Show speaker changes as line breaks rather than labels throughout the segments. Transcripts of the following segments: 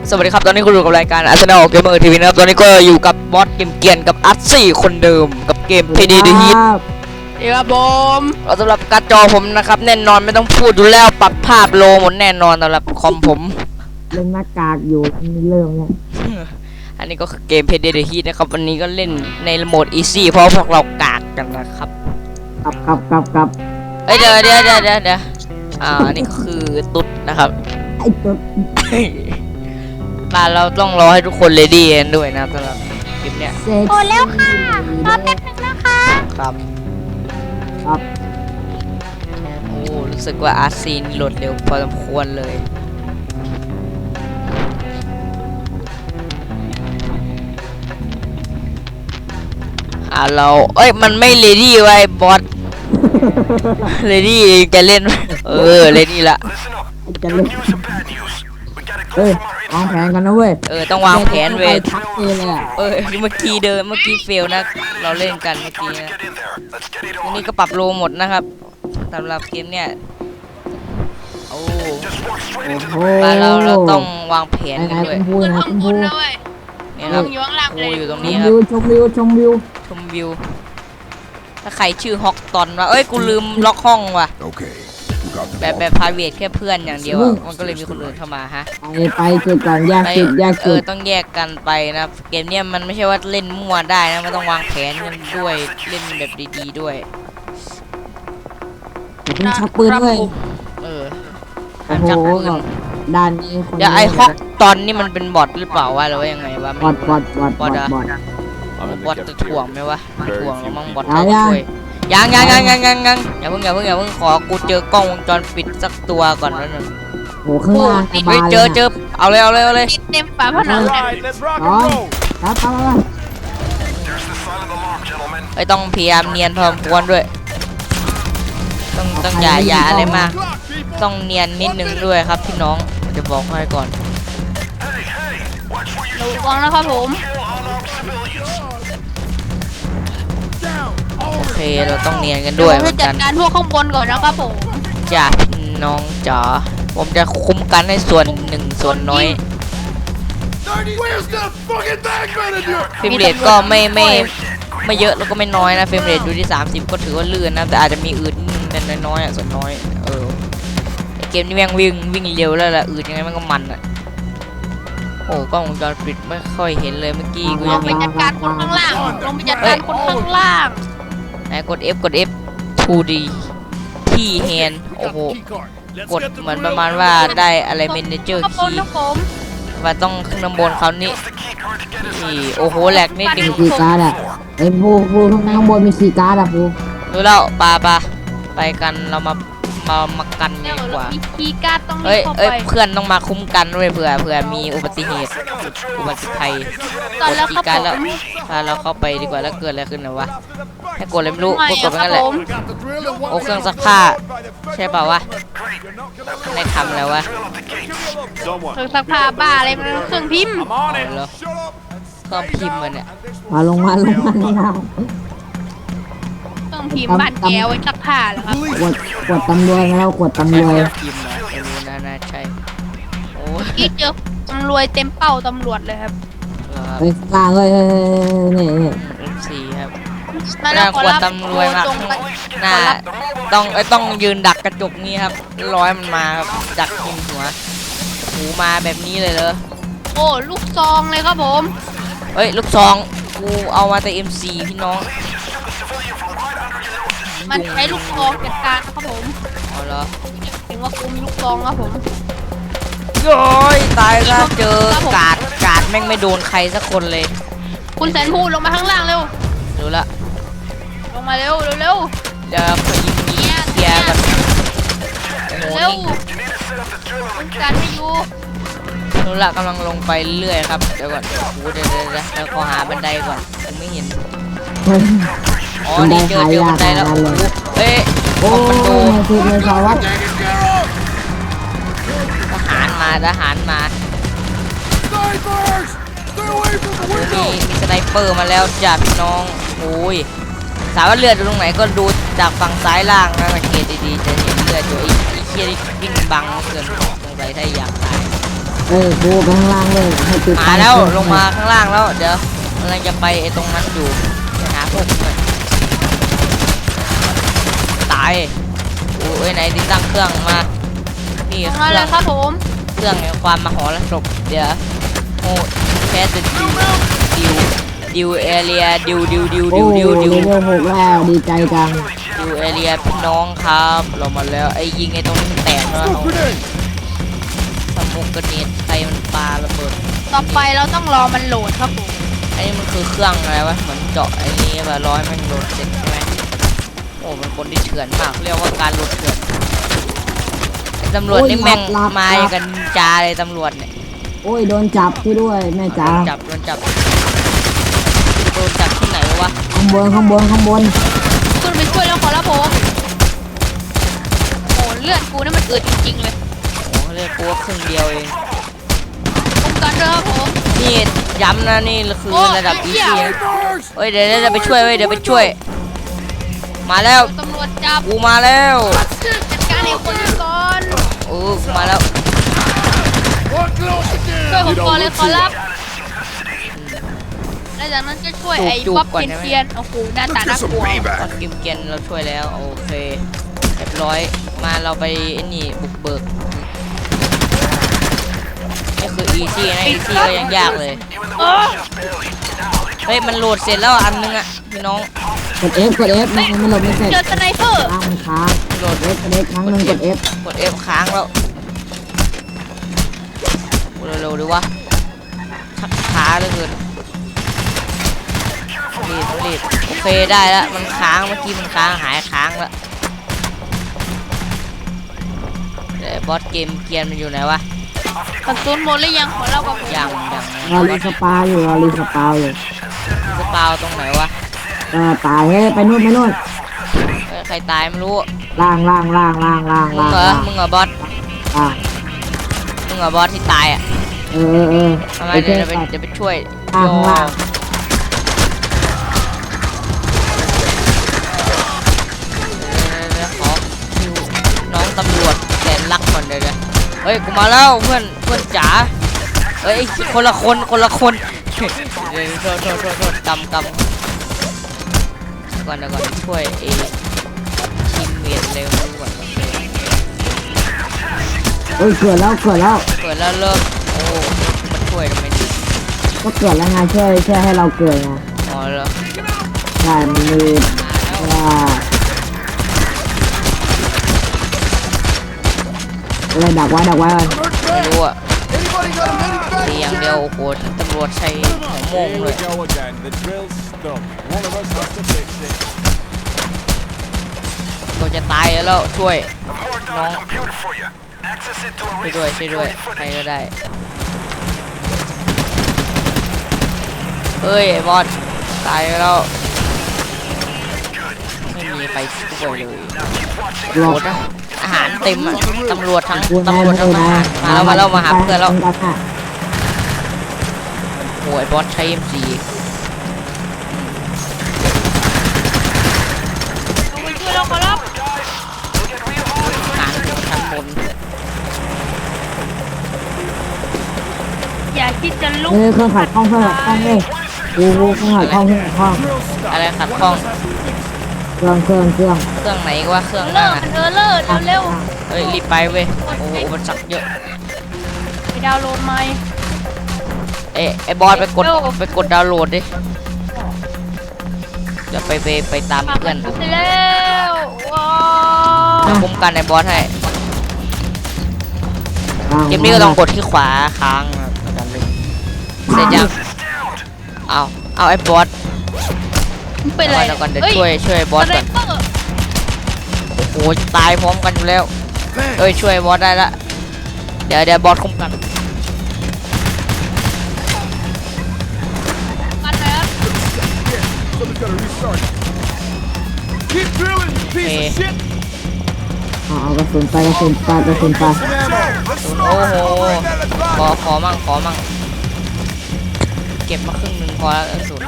สวัสดีครับตอนนี้คุณอยู่กับรายการ Arsenal Gamer TV นะครับตอนนี้ก็อยู่กับบอสเกมเกียนกับอัตซี่คนเดิมกับเกม PD The Heat
ครับผม
สำหรับการ์ดจอผมนะครับแน่นอนไม่ต้องพูดอยู่แล้วปรับภาพโลหมดแน่นอนสำหรับคอมผม
เล่นหน้ากากอยู่เริ่มเนี่ย
อันนี้ก็คือเกม PD The Heat นะครับวันนี้ก็เล่นในโหมด Easy เพราะพวกเรากากกันนะครับ
กลับ
เอ้ยเดี๋ยวอันนี้ก็คือตุ๊ดนะครับ
ไอ้ตัว
บ้านเราต้องรอให้ทุกคนเรดี้กันด้วยนะครับสำหรับคลิปเนี้ย
เซ็ก
โอ้แล้วค่ะรอแป๊บนึงนะคะ
ครับ
ครับ
โอ้รู้สึกว่าอาร์ซีนโหลดเร็วพอสมควรเลยเราเอ้ยมันไม่เรดี้ไว้บอสเรดี้จะเล่นเรดี้ละ
จะเล่นเฮ้ยวางแผนกันนะเว้ย
ต้องวางแผนเว้ย
ทักเลยอ่ะ
เมื่อกี้เฟลนะเราเล่นกันเมื่อกี้นะทีนี้ก็ปรับโลหมดนะครับสำหรับเกมเนี้ยโอ้
โห
เราต้องวางแผน
ไหน
กันด้วย
คุณพูด
ขึ้น
นะ
ข้าง
คุณ
บ
พู
น
ด
นะเว้ย
เนี่ยครับ
อยู่ข้างล่าง
โอ้
เลย
อยู่ตรง
ช
นี้
ม
ครั
วิ
บ
วชมวิว
ชมวิวถ้าใครชื่อฮอกตอนว่ากูลืมล็อกห้องว่ะ
Okay, you got the
แบบพาเวทแค่เพื่อนอย่างเดียวอะมันก็เลยมีคนอื่นเข้ามาฮะ
ไปจุดก่อนแยก
ไป
จุด
ต้องแยกกันไปนะเกมเนี้ยมันไม่ใช่ว่าเล่นมั่วได้นะมันต้องวางแผนกันด้วยเล่นแบบดีๆด้วย
คุณชักปืนด้วย
เออ
โอ้
ห้าม
โห
ชักปืน
ด้านนี้คน
เดี๋ยวไอ้ฮอกตอนนี้มันเป็นบอทหรือเปล่าวะหรือว่ายังไงวะ
บอด
บอทจะถ่วงไหมวะถ่วงแล้วมั้งบอท
เอา
เรา
ยัง
ช่วยยังอย่าเพิ่งขอกูเจอกล้องวงจรปิดสักตัวก่อนแล้วนึง
โหข้างล่างส
เฮ้ย
บาย
เจอเอาเลย
ติดเต็มฝาผนัง
Alright, let's rock
อ๋อ
and roll.
ครับ
There's the silent alarm, gentlemen.
ไอ้ต้องพยายามเนียนพอสมควรด้วยต้องอย่าอะไรมาก
Clock, people.
ต้องเนียนนิดนึงด้วยครับพี่น้องผมจะบอกให้ก่อน
Hey, hey, watch where you
ระวังนะครับผม
kill unarmed civilians.
โอเคเราต้องเนียนกันด้วยเหมื
จะ
อน
จั
กั
ด
น
การพวกข้างบนก่อนนะครับผม
จ้าพี่น้องจ๋าผมจะคุ้มกันให้ส่วนหนึ่งส่วนน้อย
Where's the fucking bag manager?
เฟรมเรทก็ไม่เยอะแล้วก็ไม่น้อยนะเฟรมเรทอยู่ที่30ก็ถือว่าลื่นนะแต่อาจจะมีอืดนิดนึงแต่น้อยๆส่วนน้อยไอเกมนี้แม่งวิ่งเร็วแล้วล่ะอืดยังไงมันก็มันอ่ะโอ้กล้องวงจรปิดไม่ค่อยเห็นเลยเมื่อกี้กู
ล
ยัง ง
ไป
เห็น
จัดการคนข้างล่างลงไปจัดการคนข้างล่าง
ไหนกด F 2D ที่แฮนโอ้โหกดเหมือนประมาณว่าได้อะไรเมนเจอร์
ครับผม
คีย์
ครับผม
ว่าต้องขึ้นข้างบนเขานี่นี่โอ้โหแหลกนิดนึง
มีคีย์การ์ดอ่ะไอ้ผู้ข้างบนมีคีย์การ์ดอ่ะผู้
รู้แล้วปาไปกันเรามากัน
เดี๋
ดี
ยว
กว่า
เรามีคีย์การ์ดต้องรี
เอ้ย
บเข้า
เอ้ย
ไป
เพื่อนต้องมาคุ้มกันด้วยเผื่อมีอุบัติเหตุอุบัติภัย
ตอนแล้ว
ก
ครั
ด
บ
การ
ผ
แล้ว
ม
พาเราเข้าไปดีกว่าแล้วเกิดอะไรขึ้นนะวะให้กดอะไรไม่รู้
ไม่
กดไปงั้นแหละ
ครับผม
โอ้เครื่องซักผ้าใช่เปล่าวะในทำแล้ววะ
เครื่องซักผ้าบ้าอะไรมันเครื่องพิมพ์
I'm on
เอาแล้วเครื่องพิมพ์มันเนี่ย
มาลงมา
เครื่องพิมพ์บ้านแกไว้ซักผ้าเหรอครับ
กดตำรวจแล้วกดตำรวจ
พิมพ์นะไม่รู้น่าใช่โอ้ย
อีเจอตำรวจเต็มเป้าตำรวจเลยครับ
เหรอครับ
ไปกลางเลยนี่
M4 ครับ
มา
ห
แล้
น้าว
ขอ
ขวด
รับ
ตำรวจมา
ตรงไป
หน้าต้องยืนดักกระจกนี่ครับร้อยมันมาครับดักยิงหัวหูมาแบบนี้เลยเหรอ
โอ้ลูกซองเลยครับผม
เฮ้ยลูกซองกูเอามาแต่ M4 พี่น้อง
มันใช้ลูกซองจัดการครับผม
เอาเหรอ
ถึงว่ากูมีลูกซองครับผม
โย้ยตายแล้วเจอกาดแม่งไม่โดนใครสักคนเลย
คุณแสนพูดลงมาข้างล่างเร็ว
รู้ละ
ลงมาเร็วเร็วเร็ว
เดี๋ยวขอยิงเคลียร์ก่อนโอ้โห
เร็ว
นี่
คุณการไม่อยู่
รู้ละกำลังลงไปเรื่อยครับเดี๋ยวก่อนโอ้โหเดี๋ยวขอหาบันไดก่อนผมไม่เห็นอ๋อนี่เจอบันไดแล้วโอ้โหเฮ้ย
โอ้
คอมมานโด
คือเลยสารวัตร
ทหารมา
Snipers! Stay away from the
มี
window!
สไนเปอร์มาแล้วจ้ะพี่น้องโอ้ยสาวว่าเลือดอยู่ตรงไหนก็ดูจากฝั่งซ้ายล่างนะสังเกตดีๆจะเห็นเลือดอยู่ไอ้เคียนี่วิ่งบังเกินสงสัยถ้าอยากตาย
กูไปข้างล่างเลยให้ติด
มาแล้วลงมาข้างล่างแล้วเดี๋ยวกำลังจะไปไอ้ตรงนั้นอยู่ไปหาพวกมึงเลยตายโอ้ยไหนติดตั้งเครื่องมานี่เค
มา
รื่
เล
อง
ยครับผม
เครื่องแห่งความมหรสพเดี๋ยวโอ้แค่จะดิวเอเรียดิว
โอ้เลเวล6แล้วดีใจจัง
ดิวเอเรียพี่น้องครับเรามาแล้วไอ้ยิงไอ้ตรงนี้มันแตกแล้ว
Smoke grenade.
สมุกกระเนียดใครมันปาระเบิด
ต่อไปเราต้องรอมันโหลดครับผม
ไอ้นี่มันคือเครื่องอะไรวะเหมือนเจาะไอ้นี้แบบร้อยมันโหลดเสร็จใช่ไหมโอ้มันคนที่เถื่อนมากเรียกว่าการโหลดเถื่อนไอ้ตำรวจนี่แม่งมาอย่างกันจาเลยตำรวจเนี่ย
โอ้ยโดนจับที่ด้วยแม่จ๋า
โดนจับที่ไหนวะ
ข้างบน
ขึ้นไปช่วยแล้วขอรับผมโอ้เลือดกูนี่มันอืดจริงๆเลย
โอ้เรียกกูว่าครึ่งเดียวเอง
ป้องกันด้วยครับผม
นี่ย้ำนะนี่คือระดับอีซี่
Snipers.
เฮ้ยเดี๋ยวไปช่วยเว้ยเดี๋ยวไปช่วย มาแล้ว
ตำรวจจับ
กูมาแล้ว
จัดการไอ้คนนี้ก่อน
กูมาแล้ว
What close
ช่วย
again?
ผมก่อนเลยขอรับแล้วจากนั้นก็ช่วยไอ้บ๊อบเทียนโอ้โหหน้าตาน่ากลัว
ตอนกิมเกนเราช่วยแล้วโอเคเรียบร้อยมาเราไปไอ้นี่บุกเบิกนี่คืออีซี่นะอีซี่ก็ยังยากเลย
เออ
เฮ้ยมันโหลดเสร็จแล้วอันนึงอ่ะพี่น้อง
กด F มันหลบไม่เสร็จ
เจอสไนเปอร์
ค้างมันค้าง
โหลด
กด F ครั้งหนึ่งกด F
กด F ค้างแล้วเร็วๆดีวะชักช้าเหลือเกินรีบโอเคได้แล้วมันค้างเมื่อกี้มันค้างหายค้างแล้วแต่บอสเกมเกียนมันอยู่ไหนวะ
กระสุนหมดหรือยังขอรับกับผม
ยัง
รอรีสปาอยู่
สปาวตรงไหนวะ
ตายเฮ้ยไปนู่น
เอ้ยใครตายไม่รู้
ล่าง
มึงเหรอบอส
อ่ะ
มึงเหรอบอสที่ตายอ่ะ ทำไม
ไป
เดี๋
เจ
ยว
อ
เดี๋ยวไปช่วย
ข้างล่าง
เดี๋ยวขอคิวน้องตำรวจแสนรักก่อนเดี๋ยวเฮ้ยกูมาแล้วเพื่อนจ๋าเฮ้ยคนละคนเดี๋ยวโทษกำก่อนช่วยทีมเมทเร็วก่อน
เกิดแล้ว
เปิดแล้วเริ่มโอ้มันช่วยทำไมดี
ก็เกิดแล้วไงช่วยให้เราเกิดไง
อ๋อเหรอ
ใช่มันมี
มาแล้ว
ว่าอะไรดักไว้ก่อน
ไม่รู้อ่ะ
Anybody got a medivac?
ตีอย่างเดียวโอ้โหตำรวจใช้หัวโมง
Here
เล
we
ย
go again. The drill's stuck. One of us has to fix it.
เราจะตายแล้วช่วยน้องช่วยด้วยใครก็ได้เฮ้ยไอ้บอสตายแล้วไม่มีใครช่วยเลย
หล
โห
บ
ดนะอาหารเต็มอ่ะตำรวจทั้งทหารมาแล้วมาหาเพื่อนแล้วโอ้ยบอสใช้ M4
ลงไปช่วยเราขอรับ
หางถึงชั้นบน
อย่าคิดจะลุก
เครื่องขัดข้องเลยเครื่องขัดข้อง
อะไรขัดข้อง
เครื่อง
เครื่องไหนก็ว่าเครื่อง
เลิ
นั่น
ก
น่ะ
เลิกเร็ว
เฮ้ยรีบไปเว้ยโอ้โหมันสักเยอะ
ไปดาวน์โหลดใหม่
ไอ้บอสไปกดดาวน์โหลดดิเดี๋ยวไปตาม
มา
เพื่อน
ไปแล้วว้า
คุ้มกันไอ้บอสให้เกมนี้ก็ต้องกดที่ขวาค้างนะกันเลยเสร็จยังเอาไอ้บอส
เป็นไร
เดี๋ยวก่อนเดี๋ยวช่วยบอส
สไน
ก่อน
เปอร์
โอ้โหตายพร้อมกันอยู่แล้วเอ้ยช่วยบอสได้ละเดี๋ยวบอสคุ้มกัน
กันแล้ว
Someone's got to restart. Keep drilling, you piece of shit.
เอากระสุนไป
Some ammo.
โอ้โหขอมั่งเก็บมาครึ่งหนึงพอแล้วกระสุน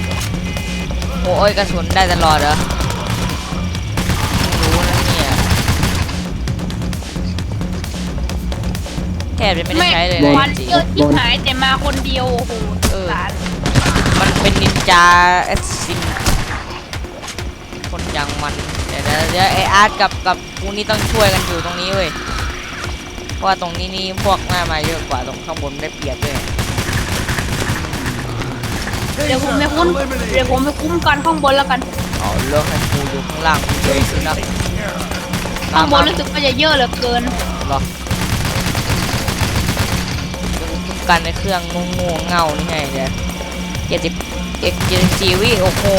โอ้ยกระสุนได้ตลอดเหรอไม่รู้นะเนี่ยแทบจะไม่ได้ใช้เลยนะ
วัน
จริง
เยอะที่หายแต่มาคนเดียวโอ้โห
เออ
สาร
มันเป็นนินจาแอสซินคนอย่างมันเดี๋ยวไออาร์ตกับกูนี่ต้องช่วยกันอยู่ตรงนี้เว้ยเพราะว่าตรงนี้นี่พวกหน้ามาเยอะกว่าตรงข้างบนได้เปรียบเลย
เดี๋ยวผมไปคุ้มกันข้างบนแล้วกัน
อ๋อเลือกให้กูอยู่ข้างล่างกูเลยสินะ
ข้างบนรู้สึกว่าจะเยอะเหลือเกิน
หรอคุ้มกันในเครื่องงูเงานี่ไงเนี่ย70 วิโอ้โห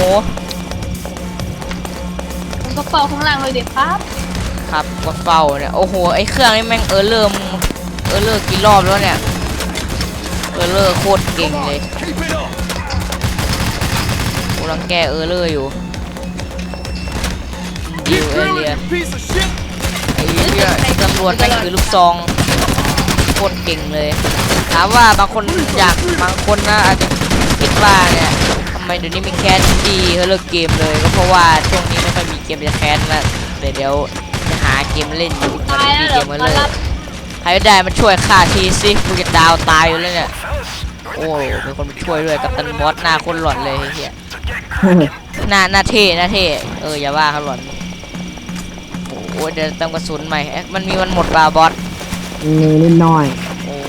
ผมก็เป่าข้างล่างเลยเด็กครับ
ครับกดเฝ้าเนี่ยโอ้โหไอเครื่องนี่แม่งเริ่มกี่รอบแล้วเนี่ยเลอร์โคตรเก่งเลย
Keep it up.
กูรังแกอยู่ดิว
Keep
เอ
drilling,
เรีย
you piece of shit.
ไอ้เนี่ยไอ้ตำรวจแม่งถือลูกซองโคตรเก่งเลยถามว่าบางคนนะอาจจะคิดว่าเนี่ยทำไมเดี๋ยวนี้มีแคสดีเขาเลิกเกมเลยก็เพราะว่าช่วงนี้ไม่ค่อยมีเกมจะแคสแล้วเดี๋ยวจะหาเกมเล่นอยู่มัน
ตาย
มี
แล้ว
เก
เหรอ
มมา
มา
เลย
รับ
ใครได้มาช่วยฆ่าทีสิกูจะดาวตายอยู่แล้วเนี่ยโอ้มีคนมาช่วยด้วยกับตันบอสหน้าคนหลอนเลยไอ้เฮียหน้าเท่อย่าว่าเขาหลอนโอ้เดี๋ยวเติมกระสุนใหม่มันหมดบาบอส
มีนิดหน่อย
โอ้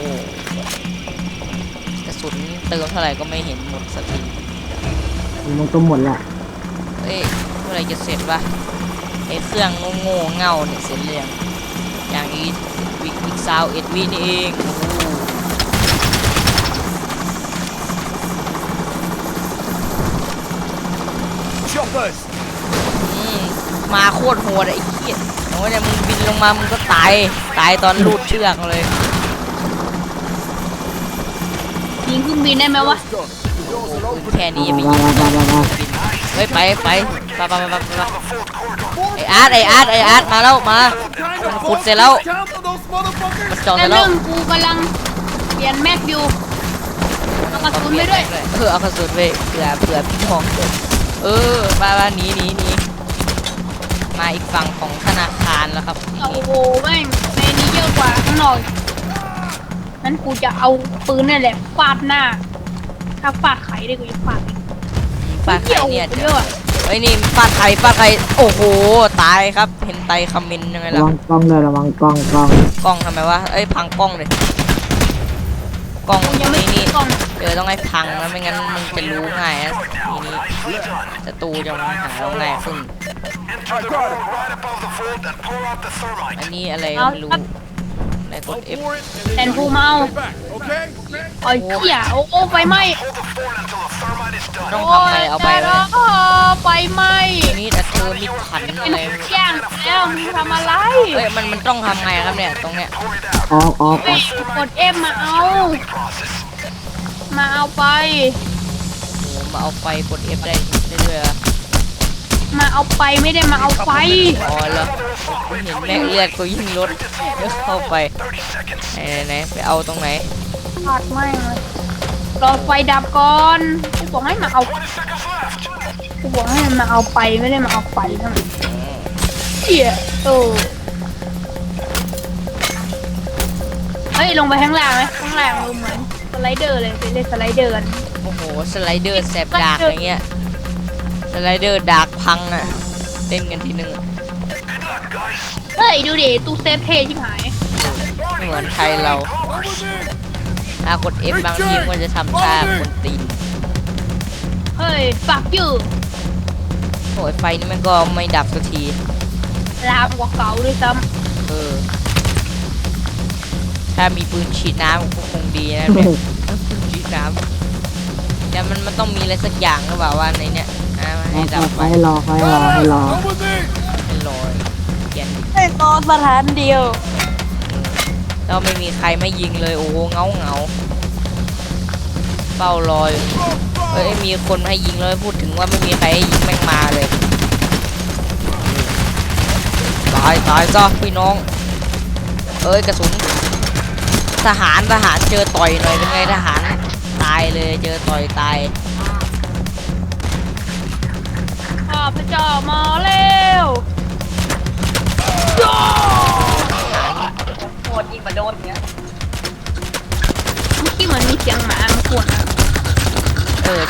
กระสุนเติมเท่าไหร่ก็ไม่เห็นหมดสักที
มันก็หมดแหละ
เอ้ยเมื่อไหรจะเสร็จวะไอ้เครื่องโง่เง่าเนี่ยเสร็จเรียงอย่างอีกซาว1 วินี่เองโอ้โห
Choppers.
มาโคตรโหดไอ้เหี้ยโอ้ยเนี่ยมึงบินลงมามึงก็ตายตอนลูดเชือกเลย
ยิงเครื่องบินได้ไหมวะ
Let's go. The doors are open.
แค่นี้ยังไม่
ว้า
ยิง
วว้าวว้าวว้าว
บินเฮ้ยไปไออาร์ตมาแล้วมา มันขุดเสร็จแล้ว
Counter those motherfuckers.
มันเจาะเส
แต่
ร็จแล้
เรื่
ว
องกูกำลังเปลี่ยนแม็กอยู่เอากระสุนไปด้วย
เอากระสุนไปเผื่อพี่น้องบ้าหนีมาอีกฝั่งของธนาคารแล้วครับ
โอ้โหแม่งในนี้เยอะกว่าข้างนอกนั้นกูจะเอาปืนนี่แหละฟาดหน้า ถ้าฟาดไข่ได้กูจะฟาดอีก
ฟาดใครเนี่ย
เยอะอะ
เฮ้ยนี่ฟาดใครโอ้โหตายครับเห็นไตคอมเมนต์ยังไง
ระ
ล่ะ
วังกล้องเลยระวังกล้อง
กล้องทำไมวะพังกล้องเลยกล้อง
กูยังไม่
นี่
กล้อง
ต้องให้พังนะไม่งั้นมึงจะรู้ง่ายนะทีนี้ศัตรูจะมาหาเราง่ายขึ้น
I got it.
อันนี้อะไรก็ไม่รู้ไหนกด
Go
F
for it, and
แท
then
น
you
กูมาเอา
stay back, okay?
โอ้ยเหี้ยโอ้ไฟไหม้
ต้องทำไงเอาไป
โย
ไหม
ตายแล้วไฟไหม้
ทีนี้แต่เธอมีขัน
เป็
อะ
น
ไร
แย่งแล้วมึงทำอะไร
มันต้องทำไงครับเนี่ยตรงเนี้ย
ออก
เฮ้ยกด F มาเอา มาเอาไป
โอ้มาเอาไฟกด F ได้ด้วยเหรอ
มาเอาไปไม่ได้มาเอาไฟ
อ๋อแล้วกูเห็นแม่เลือดกูยิ่งลดเดี๋ยวเข้าไปไหนไปเอาตรงไหน
ขาดไม่เลยรอไฟดับก่อนกูบอกให้มาเอากูบอกให้มาเอาไปไม่ได้มาเอาไฟทั้งนั้นเหี้ยเฮ้ยลงไปข้างล่างไหมข้างล่างดูเหมือนสไลเดอร์เลยไปเล่นสไลเดอร์กัน
โอ้โหสไลเดอร์แสบดากอย่างเงี้ยสไลเดอร์ดากพังอ่ะเล่นกันทีนึง
เฮ้ยดูดิตู้เซฟเท่ชิบหาย
ไม่เหมือนไทยเราถ้ากด F บางทีมันจะทำท่ากดตีน
เฮ้ยฝักอยู่
โอ้ยไฟนี่มันก็ไม่ดับสักที
ลามกว่าเก่าด้วยซ้
ถ้ามีปืนฉีดน้ำก็คงดีนะเนี่ยปืนฉีดน้ำแต่มันต้องมีอะไรสักอย่างหรือเปล่าว่าในเนี้ยให้ดับไฟ
ให้รอ
Come with me.
ให้ลอยเกียน
ำให้ตอนสถานเดียว
แล้วไม่มีใครไม่ยิงเลยโอ้โหเงาเฝ้ารอยมีคนให้ยิงเลยพูดถึงว่าไม่มีใครให้ยิงแม่งมาเลยตายซะพี่น้องกระสุนทหารเจอต่อยหน่อยเป็นไงทหารตายเลยเจอต่อยตาย
ข้าพเจ้ามาแล้วโหดยิงมาโดนเนี้ย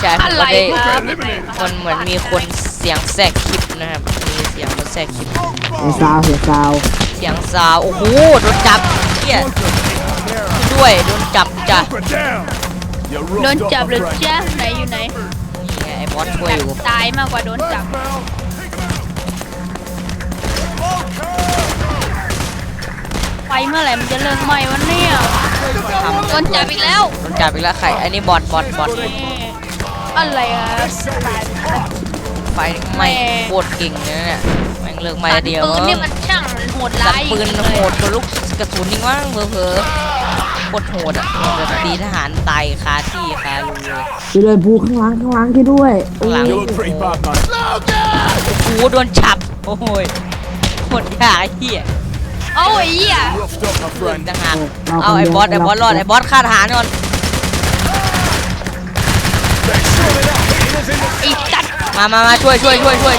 ใช่ผม
อะไร
ก็ได้
ครับ
มันเหมือนมีคนเสียงแทรกคลิปนะครับมีเสียงคนแทรกคลิป
เสียงซาวเสียงซาว
เสียงซาวโอ้โหโดนจับเฮียด้วยโดนจับจ้ะ
Put down. You
โดน
roughed
จับ
up
หรือ
my friend.
จ้าไหนอยู่ไหน
นี่ไงไอ้บอสช่วยอยู่
ตายมากกว่าโดนจับ ไฟเมื่อไหร่มันจะเลิกไหม้วะเนี่ยโดนจับอีกแล้ว
โดนจับอีกแล้วใครอันนี้บอส
อะไรอ่ะ
ไฟไหม้โคตรเก่งเลยนะเนี่ยแม่งเลิกไหม้เดียว
ปืนนี่มันช่างโหด
สั
ร้า
บ
ย
ปืนโหดกว่าลูกกระสุนนี่ว่างเผลอๆโคตรโหดอ่ะจะตีทหารตายคาที่คารูเลย
ช่วยด้วยภูข้างหลังที่ด้วยโอ้
ข้างหลัง
ย
You look pretty bad, man.
โอ้โหโดนจับโอ้โหโคตรยากไอ้เหี้ย
เอาไอ้เหี้ย
Roughed up, my
เพื่อน
friend.
ต่างหากเอาไอ้บอสรอดไอ้บอสฆ่าทหารก่อน
ไอ้จัด
มาช่วยเออโอเค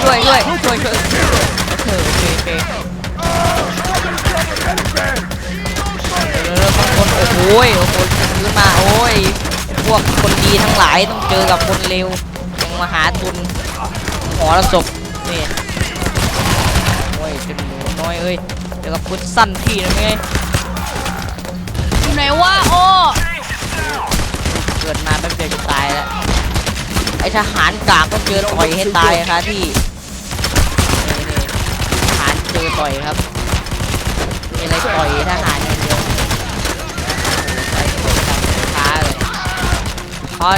บางคนโอ้โหซื้อมาโอ้ยพวกคนดีทั้งหลายต้องเจอกับคนเลวยังมาหาตุนหอระศพนี่โอ้ยเป็นหนูน้อยเอ้ยเจอกับคุณสั้นพี่นะไง
อยู่ไหนวะโอ้
เกิดมาแป๊บเดียวจะตายแล้วไอทหารกากก็เจอต่อยให้ตายครับที่นี่ทหารเจอต่อยครับมีอะไรต่อยทหารอย่างเดียวใส่ตัวจับช้าเลยคอน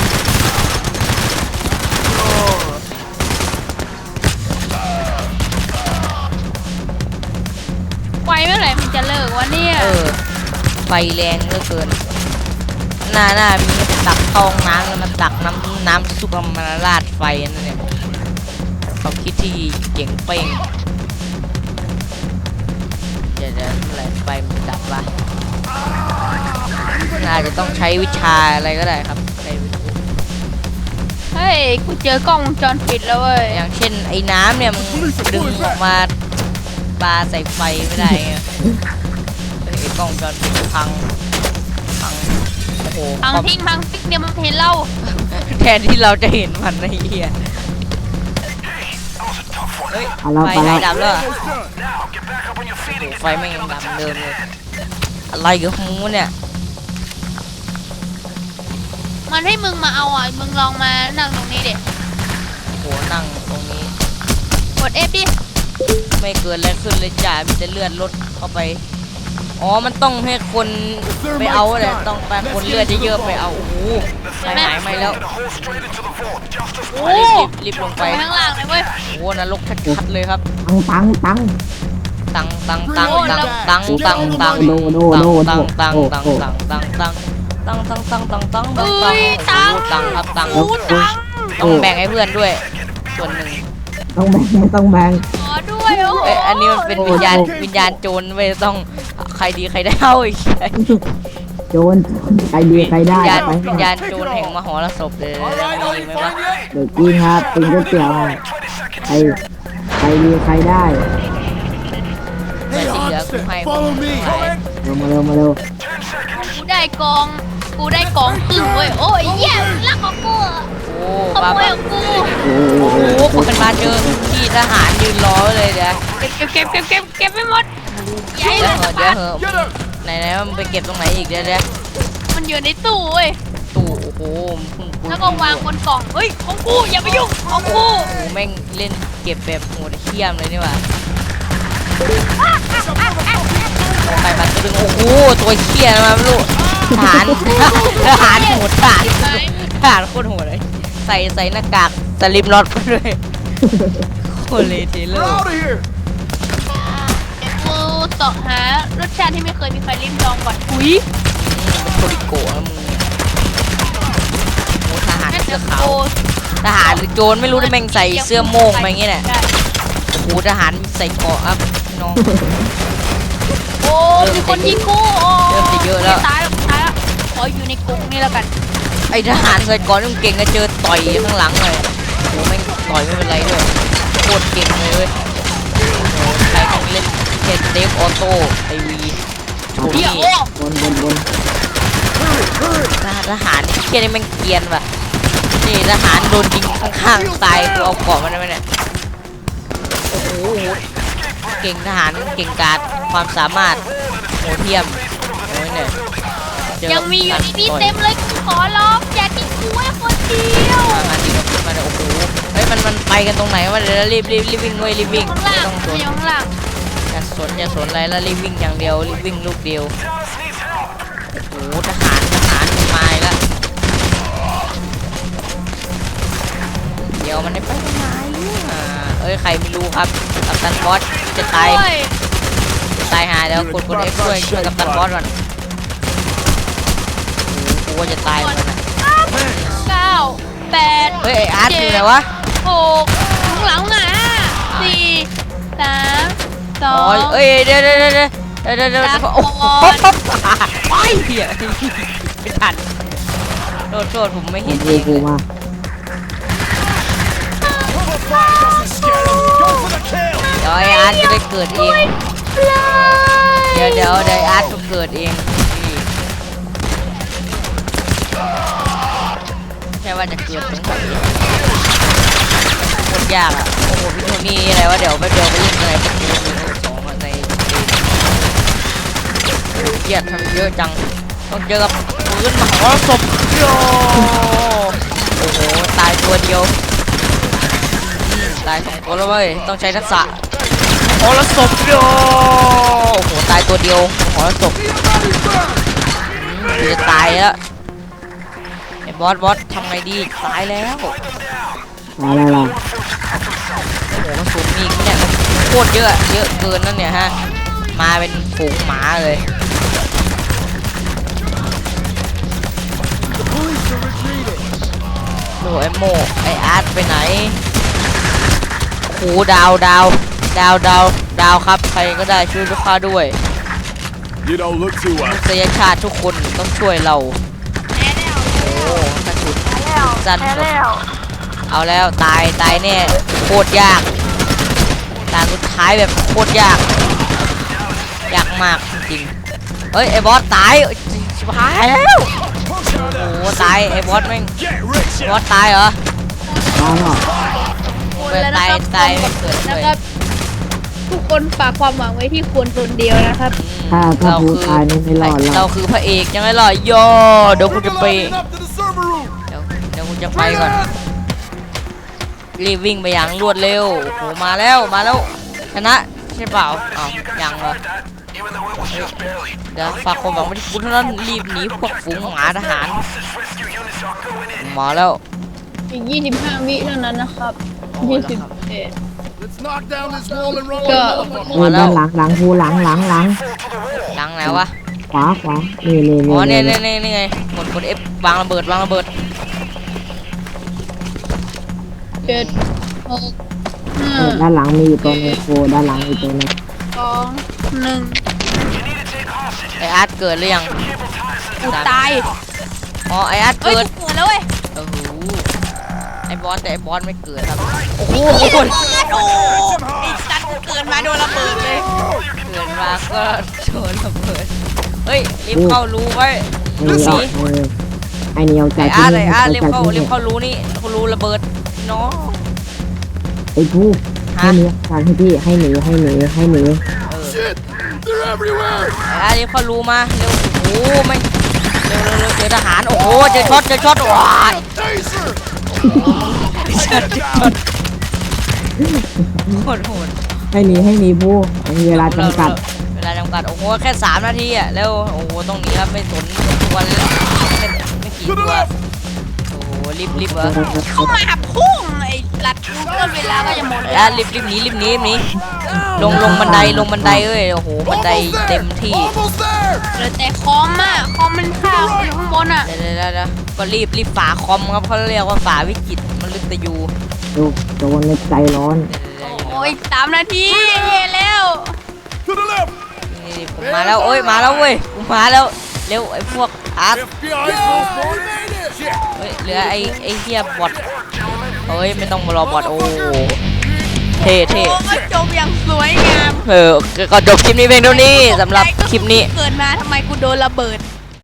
ไฟเมื่อไหร่มันจะเลิกวะเนี่ย
ไฟแรงเหลือเกินหน้ามีตักเข้าห้องน้ำแล้วมันตักน้ำซุปมาราดไฟนั่นเนี่ยความคิดที่เจ๋งเป้งเดี๋ยวเมื่อไหร่ไฟมันดับวะน่าจะต้องใช้วิชาอะไรก็ได้ครับใช้วิชา
เฮ้ยกูเจอกล้องวงจรปิดแล้วเว้ย
อย่างเช่นไอ้น้ำเนี่ยมึงดึงออกมาปาใส่ไฟไม่ได้ไงไอ้กล้องวงจรปิดพังโอ้โห
พัง
ความ
ทิ้งเดี๋ยวมันเห็นเรา
แทนที่เราจะเห็นมันไอ้เหี้ยเฮ้ยไฟไหนดับแล้วอะ
Almost done.
โอ้โหไฟไม่ยังดับเหมือนเดิมเลยอะไรกับหมูเนี่ย
มันให้มึงมาเอาอ่ะมึงลองมานั่งตรงนี้ดิ
โอ้โหนั่งตรงนี้
กด F ดิ
ไม่เกิดอะไรขึ้นเลยจ้ามีแต่เลือดลดเข้าไปอ๋อมันต้องให้คนไปเอาแหละต้องการคนเลือดเยอะๆไปเอาโอ้โหไฟหายไหมแล้ว
โอ้
รีบลง
ไป
ไป
ข้างล่างเลยเว้ย
โอ้นรกชัดๆเลยครับ
ตัง
ตัง
เอ้ยตัง
ครับตัง
โอ้ตัง
ต้องแบ่งให้เพื่อนด้วยส่วนหนึ่ง
ต้องแบ่ง
ขอด้วยโอ้
เอ้ยอันนี้มันเป็นวิญญาณโจรไม่ต้องใครดีใครได้เอาอีก
โจรใครดีใครได้ไป
วิญญาณโจรแห่งมหรสพเลยมีไหมวะ
เดี๋ยวกินครับกินก๋วยเตี๋ยวใครดีใครได้
แต่ที่เหลือกูให้
Follow me.
มาเร็ว
กูได้กองครึ่งเว้ยโอ้ยเหี้ยลักของกูอะ
โอ้
ข
บ้า
โมย
บ้า
ของกู
โอ้
โอ้โหคนมาเจอที่ทหารยืนรอไว้เลยเดี๋ยว
เก็บไม่หมดใหญ่
เดี๋
เลย
วย เหอะไหนมันไปเก็บตรงไหนอีกเดี๋ยว
มันอยู่ในตู้เว้ย
ตู้โอ้โห
แล้วก็วางบนกล่องเฮ้ยของกูอย่าไปยุ่งของกู
โอ้แม่งเล่นเก็บแบบโหดเขี้ยมเลยนี่หว่าไปมันตัวนึงโอ้โหตัวเขี้ยมาไม่รู้ทหารโหดทหารโคตรโหดเลยใส่หน้ากากสลิปน็อตไปด้วยโคตรเลยทีเล
We're
อร์
out of here.
กูเสาะหารสชาติที่ไม่เคยมีใครลิ้มลองก่อนหุย
เป็นโคริโกะนะมึงโอ้ทหาร
นั่น
เสื้
จะ
อขาว
โก
ทหารหรือโจรไม่รู้นะแม่งใส่เสื้อโม่งมาอย่างเงี้ยแหละ
ได้
โอ้โหทหารใส่เกราะครับน้อง
โอ้มีคนยิงกูโอ้
เริ่มจะเยอะแล้ว
ตายแล้วขออยู่ในกรงนี่แล้วกัน
ไอทหารใส่เกราะนี่มันเก่งก็เจอต่อยข้างหลังเลยโอ้แม่งต่อยไม่เป็นไรด้วยโคตรเก่งเลยเว้ยโอ้โหใครแม่งเล่นเจ็ดเดฟออโต้ไอวีโช
เดี๋ยว
นี่
โอ้
บน
ทหารเชี่ยนี่แม่งเกรียนว่ะนี่ทหารโดนยิงข้างๆตายกูเอาเกาะมันได้ไหมเนี่ยโอ้โหเก่งทหารเก่งกาจความสามารถโหเทียมโอ้ยเนี่ยเจ
ยังมีอยู่ในนี้
ต่
เต็มเลยกูขอร้องอย่าทิ้งกูไว้คนเดียว
มาดีกับมาเลยโอ้โหเฮ้ยมันไปกันตรงไหนวะเดี๋ยวรีบวิ่งเว้ยรีบวิ่ง
ข้าง
ไม่
ล่าง
ต้องสน
อยู่ข้างล่าง
อย่าสนอะไรแล้วรีบวิ่งอย่างเดียวรีบวิ่งลูกเดียวโอ้โหทหารมาอีกแล้วเดี๋ยวมันได้ไปทางไหนเอ้ยใครไม่รู้ครับกัปตันบอสจะตาย
โอ้ย
ตายหาเดี๋ยวกด F ช่วยกัปตันบอสก่อนโอ้โหกูว่าจะตายเหมือนกันนะ
9 8
เฮ้ยไอ้อาร์ตอยู่ไหนวะ
6ข้างหลังอ่ะ4 3
อ๋อ
2
เอ้ยเดี๋ยวโอ้โหไปเหี้ยไม่ทันโทษผมไม่เห็น
กู
เอง
กูมา
Cover fire doesn't scare them. Go for the kill.
เดี๋ยวไอ้อาร์ตจะได้เกิดเองเดี๋ยวไอ้อาร์ตจะเกิดเองนี่แค่ว่าจะเกิดตรงไหนโคตรยากอ่ะโอ้โหพี่โทนี่อะไรวะเดี๋ยวไปเล่นอะไรพวกนี้สองในเกลียดทำเยอะจังต้องเจอกับปืนมหรสพโยโอ้โหตายตัวเดียวตายสองตัวแล้วเว้ยต้องใช้ทักษะมหรสพโยโอ้โหตายตัวเดียวมหรสพจะตายแล้วไอ้บอสทำไงดีตายแล้ว
อะไรล่ะ
โอ้โหมันสูงมีอีกเนี่ยมันโคตรเยอะเกินนั่นเนี่ยฮะมาเป็นฝูงหมาเลย
The police are retreating.
โอ้ไอโมไออาร์ตไปไหนโอ้โหดาวครับใครก็ได้ช่วยลูกค้าด้วย
You don't look too
ม
well.
นุษยชาติทุกคนต้องช่วยเราโอ้กระสุนสั้นหมดเอาแล้วตายแน่โคตรยากด่านสุดท้ายแบบโคตรยากมากจริงๆเฮ้ยไอบอสตายชิบหายแล้ว
Push her
โอ้
down.
โหตายไอ้บอสแม่ง
Get rich.
บอสตายเหรอ
ตายหรอ
ไม่ตายไม่เกิดเล
นะ
ย
ครับทุกคนฝากความหวังไว้ที่ควรคนเดียวนะครับ
ถ้าพูดตายนี่ไม่รอดหร
เรา
อก
คือพระเอกยังไงล่ะโยเดี๋ยวกูจะไป
Organizing up to the server room.
เดี๋ยวกูจะไปก่อนรีบวิ่งไปอย่างรวดเร็วโอ้โหมาแล้วชนะใช่เปล่าอ้าวยังเหรอเดี๋ยวฝากความหวังไว้ที่คุณเท่านั้นรีบหนีพวกฝูงหมาทหารมาแล้ว
อีก 25 วิเท่านั้นนะครับ21
Let's knock down this wall and run
Go.
like motherfuckers.
ด้านหลังกูหลัง
หลังไหนวะ
ขวานี่
อ๋อเนี่ยไงกด F วางระเบิด
7 6 5
ด้านหลังมีอยู่ตัวนึงกูด้านหลังมีตัวนึง
2 1
ไออาร์ตเกิดหรือยัง
กูตาย
อ๋อไออาร์ต
เฮ้ย
เกิด
กูเกิดแล้วเว้ย
โอ้โหไอบอสแต่ไอบอสไม่เกิดครับโอ้โห
โอ้ไอ้สัตว์กูเกิดมาโดนระเบิดเลย
เกิดมาก็โดนระเบิดเฮ้ยรีบเข้ารู้ไว้
ไอ้นี่เอาใจ
ไออาร์ตรีบเข้ารู้นี่เขารู้ระเบิดเนาะ
ไอ้ผู้ให้เนื้อการให้พี่ให้หนี
Shit. They're everywhere.
ไออาร์ตรีบเข้ารู้มาเร็วโอ้โหไม่เร็วเจอทหารโอ้โหเจอช็อตว้าย
Taser.
โหด
ให้หนีผู้มีเวลาจำกัด
เวลาจำกัดโอ้โหแค่3 นาทีอ่ะแล้วโอ้โหต้องหนีครับไม่สนตัวเลยไม่กี่
To
ตั
the
ว
left.
โอ้โหรีบเหรอ
เข้ามาพุ่งไอ้ลัดกูเกินเวลาก็จะหมด
ไอ
แล้
อาว ร์ตรีบหนีลงบันไดเอ้ยโอ้โหบันได
Almost
เต็
there.
มที่
Almost there.
เหลือแต่คอมอ่ะคอมมันข้าวอยู่ข้างบนอ่ะ
เดี๋ยวก็รีบฝาคอมครับเขาเรียกว่าฝาวิกฤตมันลึกตะยู
ดูโจรในใจร้อน
โอ้ย3 นาทีเฮ้แล้ว
To the left.
นี่ผมมาแล้วเอ้ยมาแล้วเว้ยผมมาแล้วเร็วไอ้พวกอาร์ต
FBI's most wanted. Shit.
เฮ้ยเหลือไอ้เฮียบอทเฮ้ยไม่ต้องมารอบอทโอ้เท่
โอ้ยจบอย่างสวยงาม
ก็จบคลิปนี้เพียงเท่านี้สำหรับคลิปนี้
เกิดมาทำไมกูโดนระเบิด